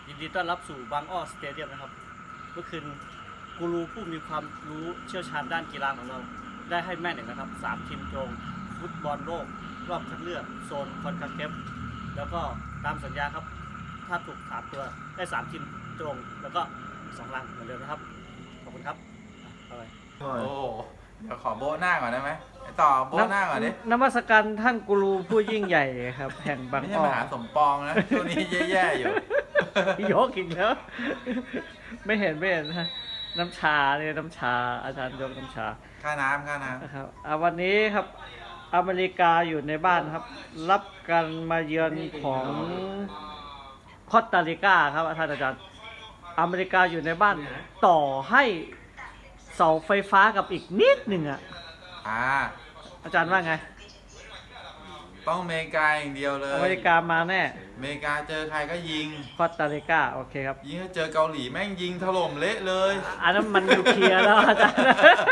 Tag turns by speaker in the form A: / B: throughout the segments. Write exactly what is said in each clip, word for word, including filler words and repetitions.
A: ยินดีต้อนรับสู่บางอ้อสเตเดียมนะครับเมื่อคืนกูรูผู้มีความรู้เชี่ยวชาญด้านกีฬาของเรา ได้ให้แม่หนึ่งนะครับสามทีมตรงฟุตบอลโลกรอบคัดเลือกโซนคอนคาเคฟแล้วก็ตามสัญญาครับถ้าถูกถามตัวได้สามทีมตรงแล้วก็สองลังเหมือนเดิมนะครับขอบคุณครับเอาไป
B: โอ้เดี๋ยวขอโบะหน้าก่อนได้ไหมไอ้ต่อโบะหน้าก่อนดิ
C: นมัสการท่านกูรูผู้ยิ่งใหญ่ครับ แห่งบาง
B: ไม่ใช่
C: อ้อ
B: มหาสมปองนะช่วงนี้แย่ๆอยู่
C: ยกอีกแล้ว ไม่เห็นไม่เห็นนะน้ำชาเนี่ยน้ำชาอาจารย์ยกน้ำชา
B: ค่าน้ำค่าน้
C: นะครับอ่ะวันนี้ครับอเมริกาอยู่ในบ้านครับ รับการมาเยือนของคอสตาริกาครับท่านอาจารย์อเมริกาอยู่ในบ้านต่อให้เสาไฟฟ้ากับอีกนิดหนึ่งอ่ะ
B: ำอ่า
C: อาจารย์ว่าไง
B: ต้องอเมริกาอย่างเดียวเลย
C: อเมริกามาแน่
B: อเมริกาเจอใครก็ยิง
C: คอสตาริกาโอเคครับ
B: ยิงถ้าเจอเกาหลีแม่งยิงถล่มเละเลย
C: อันนั้นมันนิวเคลียร์แล้วอาจารย์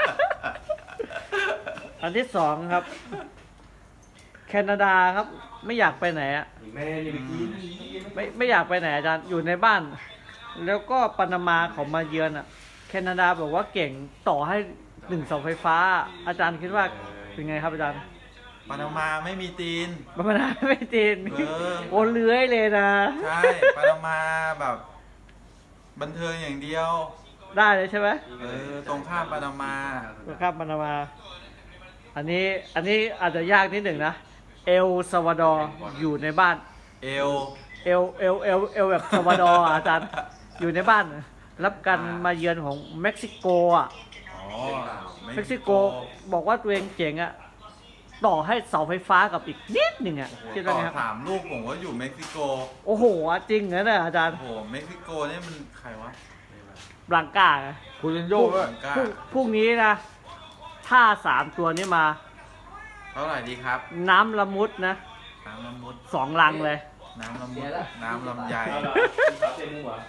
C: อันที่สองครับ แคนาดาครับ ไม่อยากไปไหนอะ
D: แม่นี่ไปกิน
C: ไม่ไม่อยากไปไหนอาจารย์อยู่ในบ้าน แล้วก็ปานามาเขามาเยือนอะแคนาดาบอกว่าเก่งต่อให้หนึ่งเสาไฟฟ้า อาจารย์คิดว่าเป็นไงครับอาจารย์
B: ปานามาไม่มีตีน
C: ปานามาไม่ตีน
B: เออ
C: โอนเลื้อยเลยนะ
B: ใช่ ปานามาแบบ บันเทิงอย่างเดียว
C: ได้เลยใช่ไหม
B: เออ ตรงข้ามปานามา
C: ครับปานามา อันนี้อันนี้อาจจะยากนิดหนึ่งนะเอลซาวาดอร์อยู่ในบ้าน
B: เอล
C: เอลเอลเอลเอลแบบซาวาดอร์อาจารย์อยู่ในบ้าน รับการมาเยือนของเม็กซิโกอ่ะ
B: อ๋อ
C: เม็กซิโกบอกว่าตัวเองเจ๋งอ่ะต่อให้เสาไฟฟ้ากับอีกนิดหนึ่งอ่ะคิดว่า
B: ต่อ
C: ไงครับ
B: สามลูกผมว่าอยู่เม็กซิโก
C: โอ้โหจริงเหรอเนี่ยอาจารย์
B: โอ้โห เม็กซิโกนี่มันใครวะ
C: บลังก้า
D: คุณยันโยกด้วย
B: กล้า
C: พรุ่งพรุ่งนี้นะ ถ้าสามตัวนี้มา
B: เท่าไหร่ดีครับ
C: น้ำละมุดนะ
B: น้ำละมุด
C: สองลังเลย
B: น้ำละมุด น้ำลำไย
D: เอาละสาวเต็มมุ้งเหรอ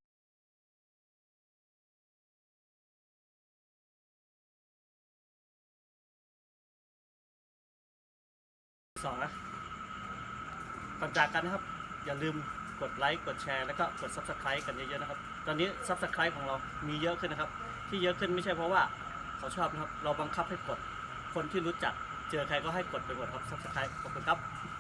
A: สองนะก่อนจากกันนะครับ อย่าลืมกดไลค์กดแชร์แล้วก็กด ซับสไครบ์ กันเยอะๆนะครับตอนนี้ ซับสไครบ์ ของเรามีเยอะขึ้นนะครับที่เยอะขึ้นไม่ใช่เพราะว่าเขาชอบนะครับเราบังคับให้กดคนที่รู้จักเจอใครก็ให้กดไปกดครับ ซับสไครบ์ ขอบคุณครับ